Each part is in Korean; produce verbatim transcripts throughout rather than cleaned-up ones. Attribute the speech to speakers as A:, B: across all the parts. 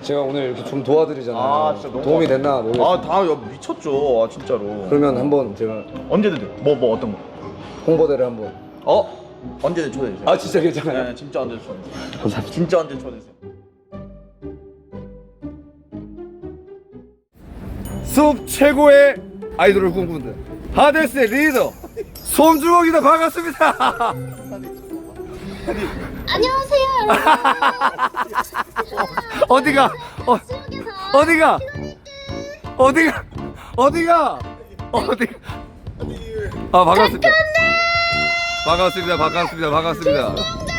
A: 제가 오늘 이렇게 좀 도와드리잖아요.
B: 아, 진짜 너무
A: 도움이 됐나 모르겠어요.
B: 아, 다 미쳤죠. 아, 진짜로.
A: 그러면 한번 제가
B: 언제든 돼. 뭐, 뭐 어떤 거?
A: 홍보대를 한번.
B: 어? 언제든 초대해 주세요.
A: 아 진짜 괜찮아요?
B: 네, 진짜 언제든 초대해 주세요.
A: 감사합니다.
B: 진짜 언제든 초대해 주세요.
A: 숲 최고의 아이돌을 꿈꾸는 하데스의 리더 솜주먹이다. 반갑습니다.
C: 안녕하세요 여러분.
A: 어디가? 어,
C: 지옥에서
A: 어디가? 어디가? 어디가? 어디가? 아 반갑습니다. 반갑습니다. 반갑습니다. 반갑습니다.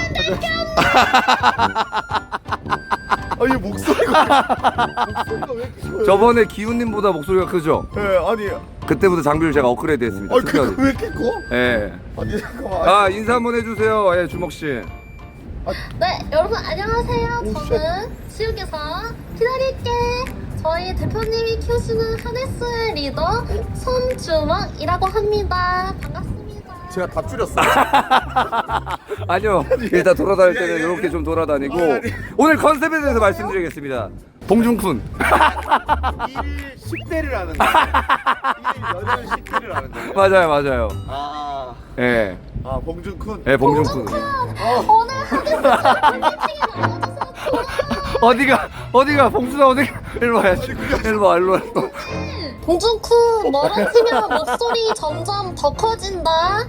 B: 아, 얘 목소리가 목소리가 왜 이렇게 커요?
A: 저번에 기훈님보다 목소리가 크죠?
B: 네, 아니,
A: 그때부터 장비를 제가 업그레이드했습니다.
B: 아,
A: 특별히.
B: 그, 왜 이렇게 커?
A: 예.
B: 아니, 잠깐만.
A: 아 인사 한번 해주세요. 예, 주먹 씨.
C: 네 여러분 안녕하세요. 저는 지옥에서 기다릴게. 저희 대표님이 키우시는 하네스의 리더 솜주먹이라고 합니다. 반갑습니다.
B: 제가 다 줄였어.
A: 아니요. 일단 돌아다닐 때는 이렇게 좀 돌아다니고 오늘 컨셉에 대해서 말씀드리겠습니다. 봉준쿤.
B: 일일 십 대를 하는 거. 일일 여덟 십 대를 하는 거예요.
A: 맞아요, 맞아요.
B: 아,
A: 예,
B: 아, 봉준쿤.
A: 예, 봉준쿤.
C: 오늘 하네스 팬미팅에 나와줘서 고마워요.
A: 어디가, 어디가, 봉준아 어디가? 일로 와야지. 일로 와, 일로 와.
C: 봉준쿤 멀어지면 목소리 점점 더 커진다.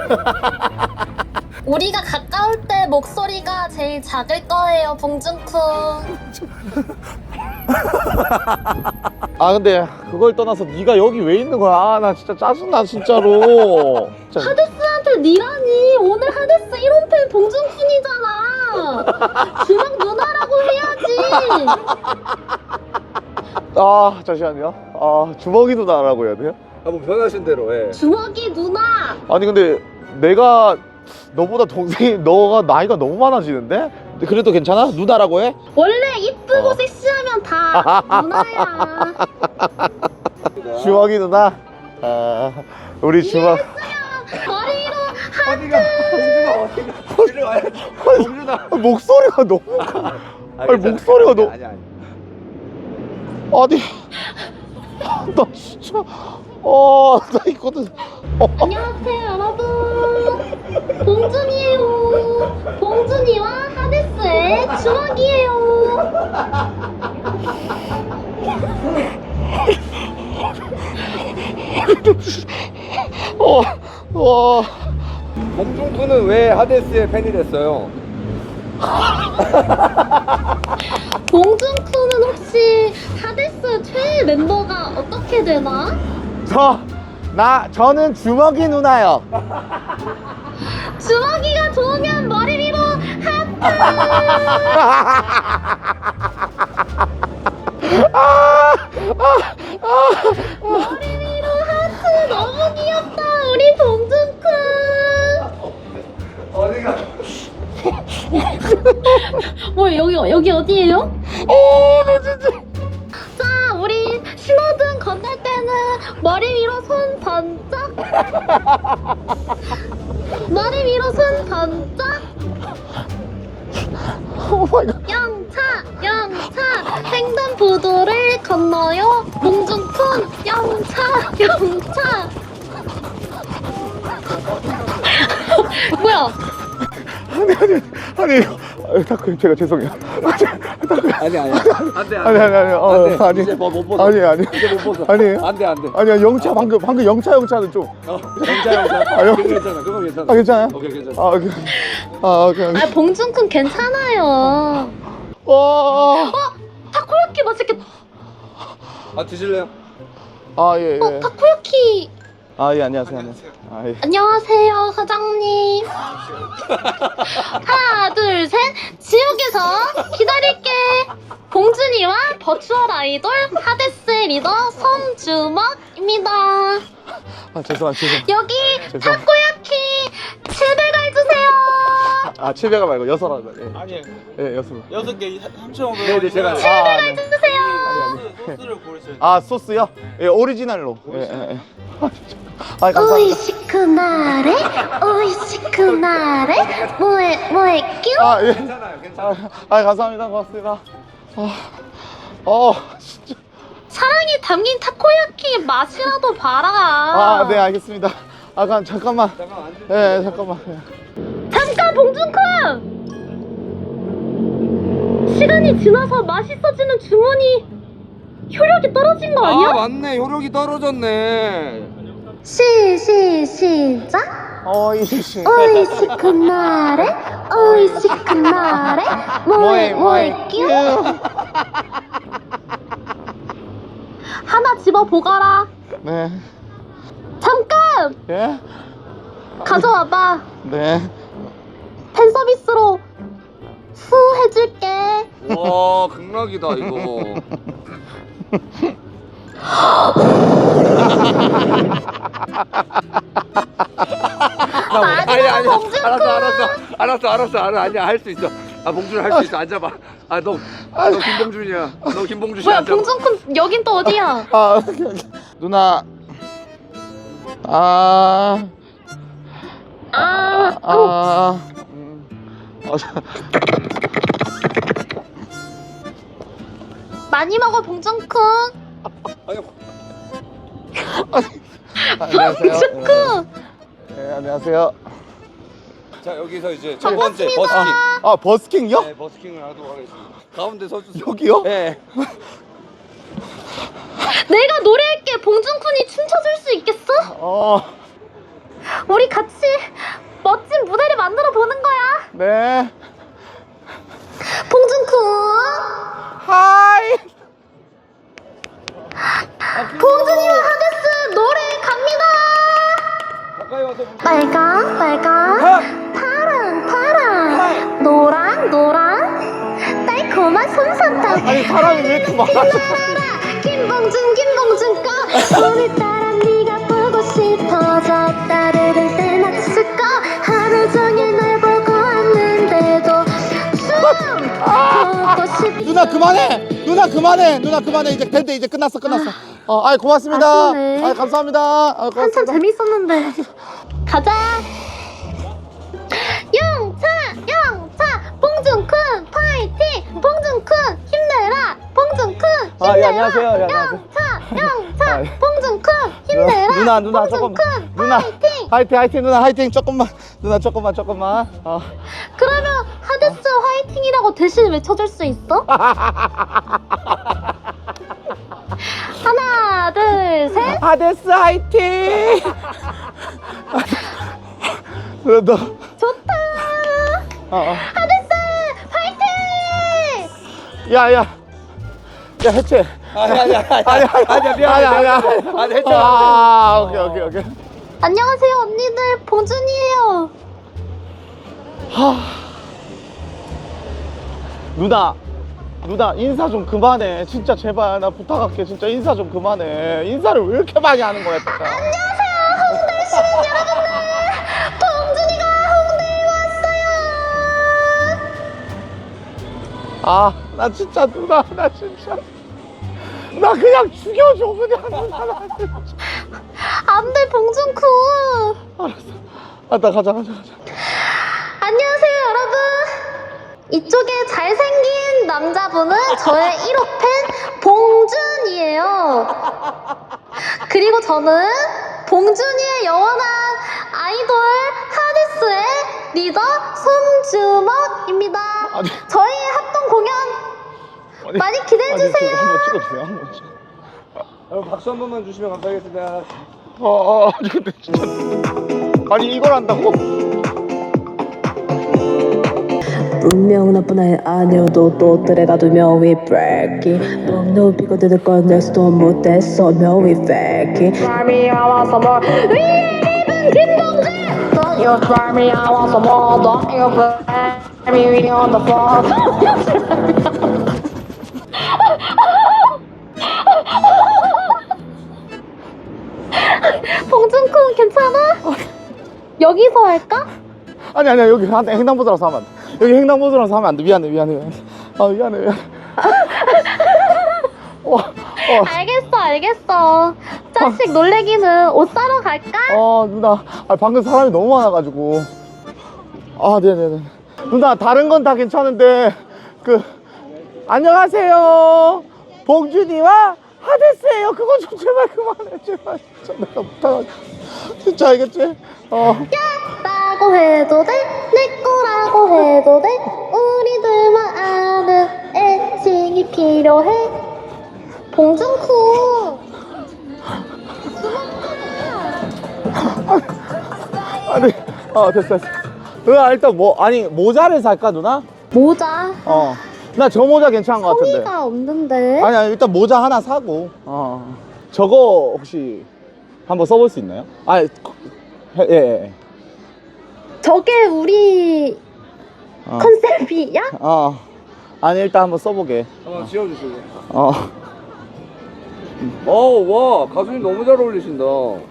C: 우리가 가까울 때 목소리가 제일 작을 거예요, 봉준쿤.
B: 아, 근데 그걸 떠나서 네가 여기 왜 있는 거야? 아, 나 진짜 짜증나 진짜로. 진짜.
C: 하데스한테 니라니. 오늘 하데스 일 호 팬 봉준쿤이잖아. 주먹 누나라고 해야지.
B: 아, 잠시만요. 아, 주먹이 누나라고 해야 돼요?
A: 아, 뭐 변하신 대로, 예.
C: 주먹이 누나.
B: 아니, 근데 내가 너보다 동생이 너가 나이가 너무 많아지는데? 근데 그래도 괜찮아? 누나라고 해?
C: 원래 이쁘고
B: 어.
C: 섹시하면 다 누나야.
B: 주먹이 누나? 아, 우리 주먹.
C: 머리로
A: 어디가, 봉준아 어디가? 일로 와야지. 봉준아.
B: 아, 목소리가 너무 커. 아니, 목소리가 너무.
A: 아니, 아니.
B: 아니, 나 진짜. 어, 나 이거는. 어.
C: 안녕하세요 여러분. 봉준이에요. 봉준이와 하데스의 주먹이에요.
B: 어, 와.
A: 봉준쿤은 왜 하데스의 팬이 됐어요?
C: 봉준쿤은 혹시 하데스 최애 멤버가 어떻게 되나?
B: 저, 나, 저는 주먹이 누나요.
C: 주먹이가 좋으면 머리 위로 하트. 머리 위로 하트. 너무 귀엽다 우리 봉준쿤.
A: 어디가?
C: 뭐 여기 여기 어디예요?
B: 어, 나 진짜.
C: 자 우리 신호등 건널 때는 머리 위로 손 번쩍. 머리 위로 손 번쩍.
B: 오 마이 갓.
C: 영차 영차 횡단보도를 건너요. 봉준쿤 영차 영차. 뭐야?
B: 아니, 아니, 아니, 이거. 아, 타쿠, 제가 죄송해요.
A: 아니, 아니. 안 돼,
B: 아니, 아니, 아니, 어,
A: 안 돼.
B: 아니.
A: 이제 뭐 못 벗어.
B: 아니, 아니.
A: 이제 못 벗어.
B: 아니.
A: 안 돼, 안 돼.
B: 아니야, 영차, 방금, 방금 영차, 영차는 좀.
A: 어, 영자, 영자.
B: 아, 영-
A: 그거 괜찮아, 그거 괜찮아.
B: 아, 괜찮아요?
A: 오케이, 괜찮아.
B: 아, 오케이. 아, 오케이.
C: 아 봉준쿤 괜찮아요.
B: 와.
C: 타코야키 맛있겠다.
A: 아, 드실래요?
B: 아, 예,
C: 어
B: 예.
C: 타코야키.
B: 아, 예, 안녕하세요. 안녕하세요. 아, 예.
C: 안녕하세요 사장님. 하나 둘 셋. 지옥에서 기다릴게. 봉준이와 버추얼 아이돌 하데스 리더 솜주먹입니다.
B: 아, 죄송합니다. 죄송.
C: 여기
B: 죄송.
C: 타코야키 칠백 알 주세요.
B: 아, 칠백가 말고 여섯 알. 예.
D: 아니
B: 예, 여섯.
D: 여섯 개 삼천오백
A: 네, 네, 제가.
B: 아, 네.
C: 주세요.
D: 소스를 고르셔야 돼요.
B: 아, 소스요? 예, 오리지널로. 예, 예, 예. 아, 진짜. 아, 감사합니다.
C: 오이시크나레 오이시크나레 뭐해 뭐해 뀨.
B: 아, 예.
A: 괜찮아요, 괜찮아요.
B: 아, 아, 감사합니다. 고맙습니다. 아, 어 진짜.
C: 사랑이 담긴 타코야키 맛이라도 봐라.
B: 아 네 알겠습니다. 아 그럼 잠깐만.
A: 잠깐 앉으세요.
B: 네 잠깐만.
C: 잠깐 봉준쿤! 시간이 지나서 맛있어지는 주문이 효력이 떨어진 거 아니야?
A: 아 맞네, 효력이 떨어졌네.
C: 시, 시, 시작!
B: 어이씨.
C: 오이시큰 나래, 오이시큰 나래, 뭐해, 뭐해, 끼우! 하나 집어 보거라.
B: 네.
C: 잠깐!
B: 예?
C: 가져와봐.
B: 네.
C: 팬 서비스로 후 해줄게.
A: 와 극락이다 이거. 아니 아니
C: 봉준쿤.
A: 알았어 알았어 알았어 알았어 알아 아니야 할 수 있어. 아 봉준 할 수 있어. 앉아봐. 아너 너 김봉준이야. 너 김봉준 씨
C: 뭐야,
A: 앉아봐.
C: 봉준쿤 여긴 또 어디야?
B: 아 누나. 아.
C: 아,
B: 아. 음. 어, 저-
C: 많이 먹어, 봉준쿤.
A: 아니,
B: 안녕하세요.
C: 봉준쿤.
B: 네, 안녕하세요.
A: 자 여기서 이제 첫 번째 버스킹.
B: 아 버스킹요?
A: 네 버스킹을 하도록 하겠습니다. 가운데 서주세요.
B: 여기요?
A: 네.
C: 내가 노래할게. 봉준쿤이 춤춰줄 수 있겠어?
B: 어.
C: 우리 같이 멋진 무대를 만들어 보는 거야.
B: 네.
C: 봉준쿤.
B: 하이.
C: 봉준이와 하데스 노래 갑니다.
A: 가까이 와서 보세요.
C: 빨강, 빨강, 파랑, 파랑, 노랑, 노랑, 달콤한 솜사탕.
B: 아니 사람이 왜 이렇게 많아?
C: 김봉준, 김봉준 거. 오늘따라 네가 보고 싶어져. 따르릉 때맞췄을까. 하루 종일 널 보고 왔는데도 춤 보고 싶어.
B: 누나 그만해. 누나 그만해. 누나 그만해. 이제 된대. 이제 끝났어. 끝났어. 어, 아이 고맙습니다.
C: 아쉽네.
B: 아이 감사합니다. 아,
C: 한참
B: 고맙습니다.
C: 재밌었는데. 가자. 영차, 영차, 봉준쿤 파이팅. 봉준쿤 힘내라. 봉준쿤 힘내라.
B: 아, 예, 안녕하세요. 예, 안녕하세요.
C: 영차, 영차,
B: 아, 예.
C: 봉준쿤 힘내라.
B: 누나 누나
C: 봉준쿤
B: 조금 누나
C: 파이팅.
B: 화이팅 화이팅 누나 화이팅 조금만 누나 조금만 조금만 어.
C: 그러면 하데스 화이팅이라고 대신 외쳐줄 수 있어? 하나, 둘, 셋.
B: 하데스 화이팅 너, 너.
C: 좋다.
B: 어, 어.
C: 하데스 화이팅.
B: 야, 야. 야, 해체.
A: 아니 아니 아니 아니
B: 아니, 아니,
A: 아니야 미안해
B: 아니, 아니,
A: 미안해. 아니 해체.
B: 아, 오케이, 오케이, 오케이.
C: 안녕하세요, 언니들. 봉준이에요.
B: 누나, 누나, 인사 좀 그만해. 진짜 제발, 나 부탁할게. 진짜 인사 좀 그만해. 인사를 왜 이렇게 많이 하는 거야, 진짜.
C: 안녕하세요, 홍대 시민 여러분들. 봉준이가 홍대에 왔어요.
B: 아, 나 진짜, 누나, 나 진짜. 나 그냥 죽여줘, 그냥. 누나, 나 진짜.
C: 안돼, 봉준쿤.
B: 알았어. 아, 나 가자, 가자, 가자.
C: 안녕하세요, 여러분. 이쪽에 잘생긴 남자분은 저의 일 호 팬 봉준이에요. 그리고 저는 봉준이의 영원한 아이돌 하데스의 리더 손주먹입니다.
B: 아니.
C: 저희 합동 공연
B: 아니,
C: 많이 기대해주세요.
B: 아니, 저거 한번 찍어주세요, 한번 찍어.
A: 여러분 박수 한 번만 주시면 감사하겠습니다.
B: 어, 어, 아니, 근데 진짜. 아니, 이걸 한다고?
E: 분명 나쁜 아이 아니어도 또 들어가 두 명이 브레이키 목 높이고 들을 건 낼수도 못했어 명이 fake
C: Try me, I want some more. 위에 김동재. Don't you try me, I want some more. Don't you play me on the floor. 봉준쿤 괜찮아? 여기서 할까?
B: 아니, 아니야, 여기 한- 횡단보도라서 하면 안 돼. 여기 횡단보도라서 하면 안 돼. 미안해, 미안해, 미안해. 아, 미안해, 미안해. 어, 어,
C: 알겠어, 알겠어. 자식 놀래기는 옷 사러 갈까?
B: 어, 누나. 아, 방금 사람이 너무 많아가지고. 아, 네네네. 누나, 다른 건 다 괜찮은데, 그, 안녕하세요. 봉준이와 하데스예요. 그거 좀 제발 그만해. 제발 진짜 내가 부탁할게. 진짜 알겠지? 어.
C: 라고 해도 돼, 내 거라고 해도 돼. 우리들만 아는 애칭이 필요해. 봉준쿠.
B: 아니, 어 됐어 됐어. 누나 일단 뭐 아니 모자를 살까 누나?
C: 모자.
B: 어. 나 저 모자 괜찮은 것 같은데.
C: 성의가 없는데.
B: 아니, 아니 일단 모자 하나 사고. 어. 저거 혹시 한번 써볼 수 있나요? 아, 예, 예. 예.
C: 저게 우리
B: 어.
C: 컨셉이야?
B: 어. 아니 일단 한번 써보게.
A: 한번 지어주실래요?
B: 어.
A: 어와 가수님 너무 잘 어울리신다.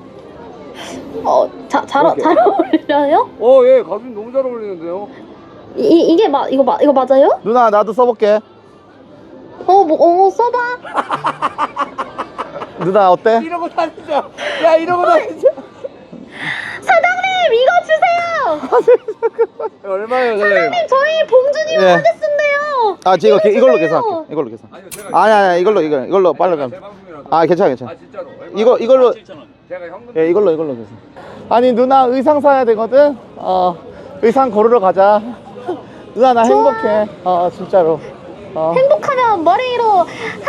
C: 어, 자, 잘,
B: 이렇게.
C: 잘 어울려요?
A: 어예 가수님 너무 잘 어울리는데요.
C: 이, 이- 이게 마, 이거 마, 이거 맞아요?
B: 누나 나도 써볼게.
C: 어, 뭐, 어, 써봐.
B: 누나 어때?
A: 이러고 다니자. 야 이러고 다니자.
C: 사장님, 이거 주세요!
A: 얼마예요 사장님?
C: 저희 봉준이와
B: 예.
C: 하데스인데요.
B: 아, 저 이거 게- 이걸로
C: 주세요.
B: 계산할게. 이걸로 계산.
A: 아니요 제가
B: 아니 아니 이걸로 이거 이걸로 빨리
A: 제
B: 가면.
A: 방송이라서.
B: 아 괜찮아 괜찮아.
A: 아 진짜로.
B: 이거 이걸로
A: 제가 현금.
B: 예 이걸로 이걸로 계산. 아니 누나 의상 사야 되거든. 어 의상 고르러 가자. 누나 나
C: 좋아.
B: 행복해. 어 진짜로. 어.
C: 행복하면 머리 위로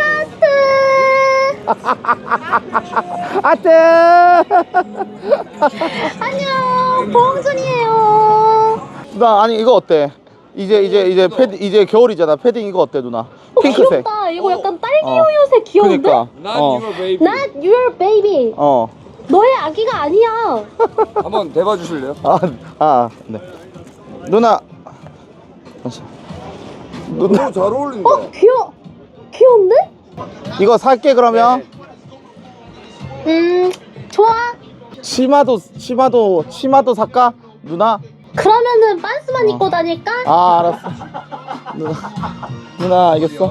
C: 하트!
B: 아트.
C: 안녕, 봉준이에요.
B: 누나 아니 이거 어때? 이제 이제 이제 패드 이제 겨울이잖아. 패딩 이거 어때 누나?
C: 어,
B: 핑크색.
C: 귀엽다. 이거 약간 딸기
B: 어.
C: 우유색 귀여운데?
B: 그니까.
A: Not
B: 어.
A: your baby.
C: Not your baby.
B: 어.
C: 너의 아기가 아니야.
A: 한번 대봐 주실래요?
B: 아, 아, 네. 누나. 잠시. 누나
A: 너무 잘 어울린다.
C: 어, 귀여, 귀여운데?
B: 이거 살게 그러면.
C: 음, 좋아.
B: 치마도 치마도 치마도 살까? 누나.
C: 그러면은 반스만 입고 다닐까?
B: 아, 알았어. 누나. 누나 알겠어.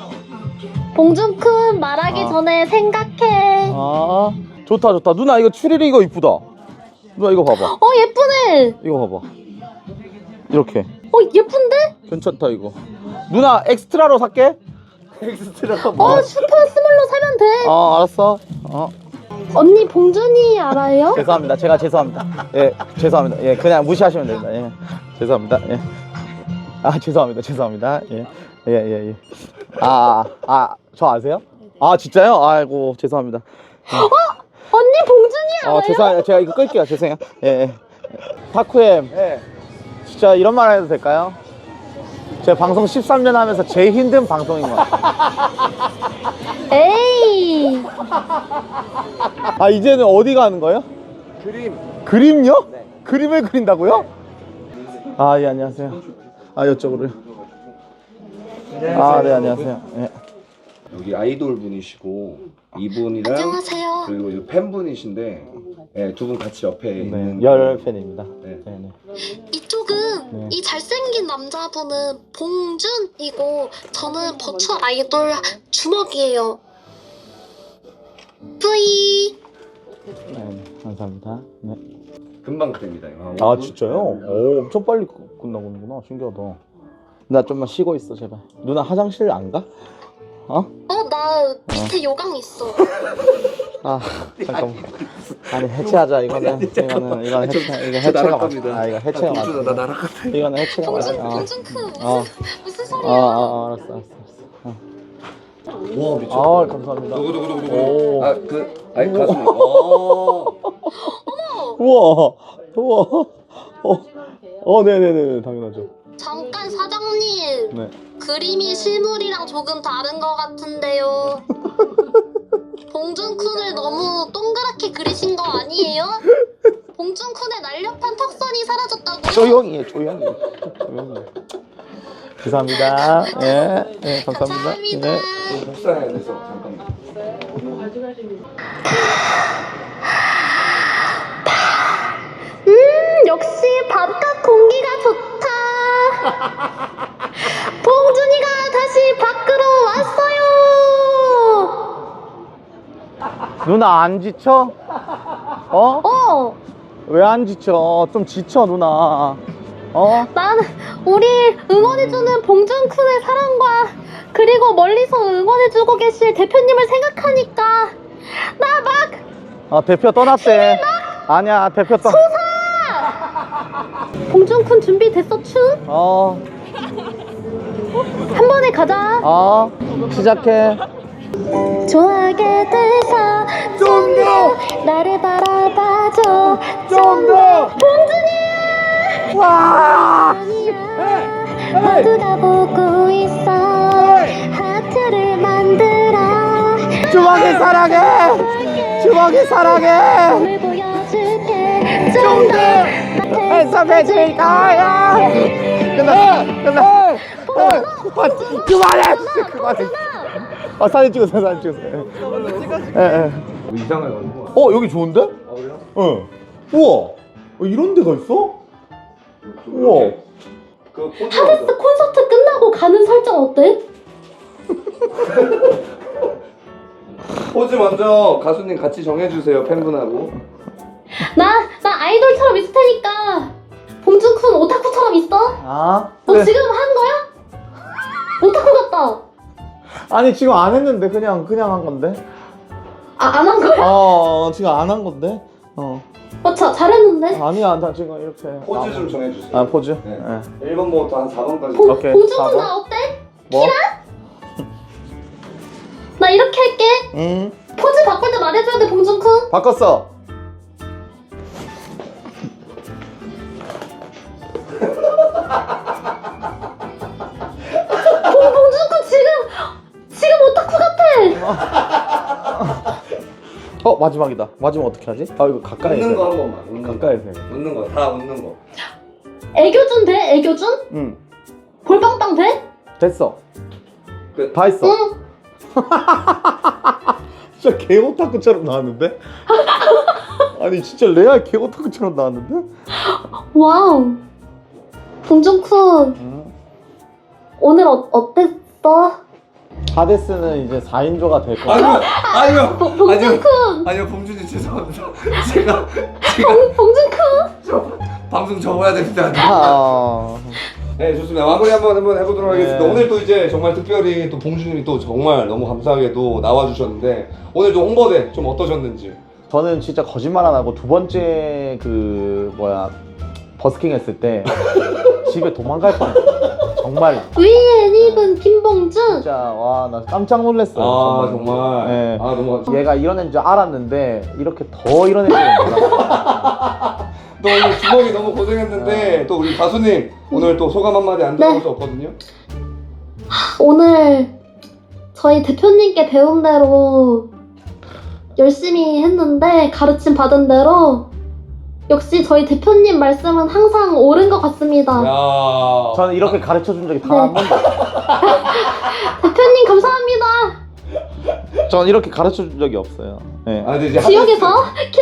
C: 봉준쿤 말하기
B: 아.
C: 전에 생각해.
B: 아, 좋다 좋다. 누나 이거 추리리 이거 이쁘다. 누나 이거 봐봐.
C: 어, 예쁘네.
B: 이거 봐봐. 이렇게.
C: 어, 예쁜데?
B: 괜찮다 이거. 누나 엑스트라로 살게. 엑스트라가
C: 어, 슈퍼 스몰로 사면 돼.
B: 어, 알았어. 어.
C: 언니 봉준이 알아요?
B: 죄송합니다. 제가 죄송합니다. 예, 죄송합니다. 예, 그냥 무시하시면 됩니다. 예, 죄송합니다. 예. 아, 죄송합니다. 죄송합니다. 예, 예, 예, 예. 아, 아, 저 아세요? 아, 진짜요? 아이고, 죄송합니다.
C: 언니 봉준이 알아요?
B: 어, 죄송해요. 제가 이거 끌게요. 죄송해요. 예, 예. 타쿠엠,
A: 예.
B: 진짜 이런 말 해도 될까요? 제가 방송 십삼 년 하면서 제일 힘든 방송인 것 같아요.
C: 에이.
B: 아, 이제는 어디 가는 거예요?
A: 그림.
B: 그림요? 네. 그림을 그린다고요? 아, 예, 안녕하세요. 아, 이쪽으로요. 아, 네, 안녕하세요. 예.
F: 여기 아이돌 분이시고 이분이랑
C: 안녕하세요.
F: 그리고 이제 팬분이신데 네, 두 분 같이 옆에 있는
B: 네, 열 팬입니다.
F: 네.
B: 네, 네.
G: 이쪽은
B: 네.
G: 이 잘생긴 남자분은 봉준이고 저는 버추얼 아이돌 주먹이에요. 뿌이.
B: 네, 네, 감사합니다. 네.
F: 금방 됩니다.
B: 아, 진짜요? 오, 엄청 빨리 끝- 끝나고는구나. 신기하다. 나 좀만 쉬고 있어, 제발. 누나 화장실 안 가? 어?
G: 어, 나 밑에 요강 있어.
B: 아, 잠깐만. 아니, 해체하자. 이거는, 이거는, 이거는 해체, 이거 해체가
A: 나갈
B: 맞
A: 겁니다.
B: 아, 이거 해체가 맞
A: 나 나락 같아.
B: 이거는 해체가 맞
G: 봉준,
B: 아,
G: 봉준크 무슨,
B: 어.
G: 무슨
B: 아,
G: 소리야?
B: 아, 아, 알았어, 알았어, 알았어.
F: 와 미쳤다.
B: 아, 감사합니다.
F: 누구 누구 누구
B: 오.
F: 누구? 아그 아니 가수님. 어.
B: 우와, 우와. 어, 어, 네네네, 당연하죠.
G: 잠깐 사장님,
B: 네.
G: 그림이 실물이랑 조금 다른 것 같은데요. 봉준쿤을 너무 동그랗게 그리신 거 아니에요? 봉준쿤의 날렵한 턱선이 사라졌다고요?
B: 조용히 해, 조용히 해. 조용히 해. 감사합니다. 예, 예, 감사합니다.
G: 감사합니다.
B: 예.
F: 복사해야 돼서 잠깐만.
C: 음, 역시 바깥 공기가 좋다. 봉준이가 다시 밖으로 왔어요.
B: 누나 안 지쳐? 어?
C: 어,
B: 왜 안 지쳐? 좀 지쳐, 누나. 어?
C: 나는 우리 응원해주는 봉준쿤의 사랑과
G: 그리고 멀리서 응원해주고 계실 대표님을 생각하니까 나 막
B: 아 대표 떠났대. 아니야 대표 떠.
G: 봉준쿤 준비됐어 춤?
B: 어.
G: 한 번에 가자.
B: 어. 시작해.
G: 좋아하게 돼서 좀 더 나를 바라봐줘 좀 더 봉준이
B: 와.
G: 모두가 보고 있어 하트를 만들어
B: 주먹이 사랑해. 주먹이 사랑해.
G: 몸을 보여줄게 좀 더
B: 해석해줄 거야. 끝났어. 끝났어. 아, 그만해. 그만해. 아 사진 찍었어요. 사진 찍었어요. 예, 예.
F: 뭐 이상하게 가는 거야.
B: 어 여기 좋은데?
F: 아 그래요?
B: 응. 우와. 어, 이런 데가 있어? 우와.
F: 그 포즈
G: 하데스 콘서트 끝나고 가는 설정 어때?
A: 포즈 먼저 가수님 같이 정해주세요 팬분하고.
G: 나, 나 아이돌처럼 있을 테니까 봉준쿤 오타쿠처럼 있어?
B: 아.
G: 너
B: 네.
G: 지금 한 거야? 오타쿠 같다.
B: 아니 지금 안 했는데 그냥 그냥 한 건데.
G: 아, 안 한 거야?
B: 어 지금 안 한 건데. 어.
G: 어, 자, 잘했는데?
B: 아니야 나 지금 이렇게.
A: 포즈 좀 정해주세요.
B: 아 포즈.
A: 네.
B: 네.
A: 일 번부터 한 사 번까지.
G: 봉,
B: 오케이,
G: 봉준쿤
B: 사 번.
G: 나 어때?
B: 뭐?
G: 나 이렇게 할게.
B: 응.
G: 포즈 바꿀 때 말해줘야 돼, 봉준쿤.
B: 바꿨어.
G: 봉, 봉준쿤 지금, 지금 오타쿠 같아.
B: 어 마지막이다. 마지막 어떻게 하지? 아 이거 가까이서.
A: 웃는 거
B: 해.
A: 한 번만. 웃는 거.
B: 가까이서. 해.
A: 웃는 거. 다 웃는 거.
G: 애교준 돼? 애교준?
B: 응.
G: 볼빵빵 돼?
B: 됐어.
A: 끝.
B: 다 했어.
G: 응.
B: 진짜 개오타쿠처럼 나왔는데? 아니 진짜 레알 개오타쿠처럼 나왔는데?
G: 와우. 봉준쿤,
B: 응.
G: 오늘 어, 어땠어?
B: 하데스는 이제 사 인조가 될 거야.
A: 아니요, 아니요,
G: 봉-
A: 아니요,
G: 봉준쿤.
A: 아니요, 봉준이 죄송합니다. 제가 제가
G: 봉, 봉준쿤.
A: 저 방송 접어야 됩니다.
B: 아...
A: 네, 좋습니다. 마무리 한번 한번 해보도록 하겠습니다.
B: 네.
A: 오늘 또 이제 정말 특별히 또 봉준님이 또 정말 너무 감사하게도 나와주셨는데 오늘 좀 홍보대 좀 어떠셨는지.
B: 저는 진짜 거짓말 안 하고 두 번째 그 뭐야 버스킹 했을 때 집에 도망갈 뻔했어. 정말
G: 위엔 입은 김봉준.
B: 진짜 와 나 깜짝 놀랐어요.
A: 아 정말.
B: 네.
A: 아 너무 감사.
B: 얘가 이런 애인 줄 알았는데 이렇게 더 이런 애인 줄 몰랐어.
A: 또 오늘 주먹이 너무 고생했는데 또 우리 가수님 오늘 또 소감 한마디 안 들어볼
G: 네.
A: 수 없거든요.
G: 오늘 저희 대표님께 배운 대로 열심히 했는데 가르침 받은 대로 역시 저희 대표님 말씀은 항상 옳은 것 같습니다.
A: 야.
B: 저는 이렇게 가르쳐 준 적이 단
G: 네.
B: 한 번도 없어요.
G: 대표님 감사합니다.
B: 저는 이렇게 가르쳐 준 적이 없어요. 네.
A: 아 근데 이제
G: 지역에서
A: 하데스-